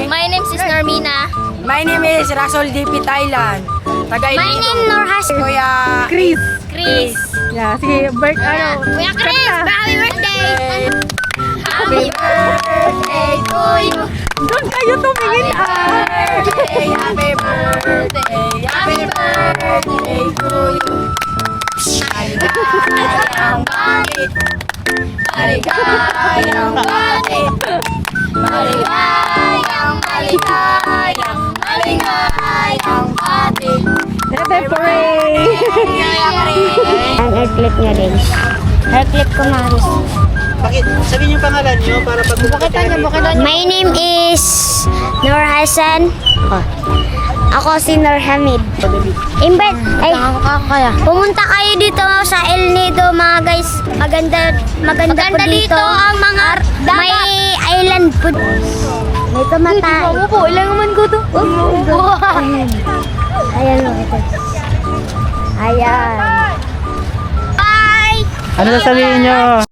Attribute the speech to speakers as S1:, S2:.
S1: My name is Normina.
S2: My name is Rasol DP Thailand.
S1: My name Norhas.
S2: Kuya
S3: Chris.
S1: Chris.
S3: Yeah, sige,
S1: Kuya Chris, happy birthday! Happy birthday to you.
S3: Doon kayo tumingin
S2: Happy birthday, happy birthday to you. Maligayang bati, maligayang bati, maligayang, maligayang, maligayang bati.
S3: Happy birthday!
S1: Ang hair clip niya din. Hair clip ko Maris.
S4: Bakit? Sabihin yung pangalan nyo para pag
S1: My name is Nur Hassan. Ako si Nur Hamid. Invite, ay, pumunta kayo dito sa El Nido mga guys. Maganda po dito. Ang mga may island food. May tumatay.
S3: po, ilang naman ko to.
S1: Ayan o, ito. Ayan. Bye!
S4: Ano sasabihin nyo?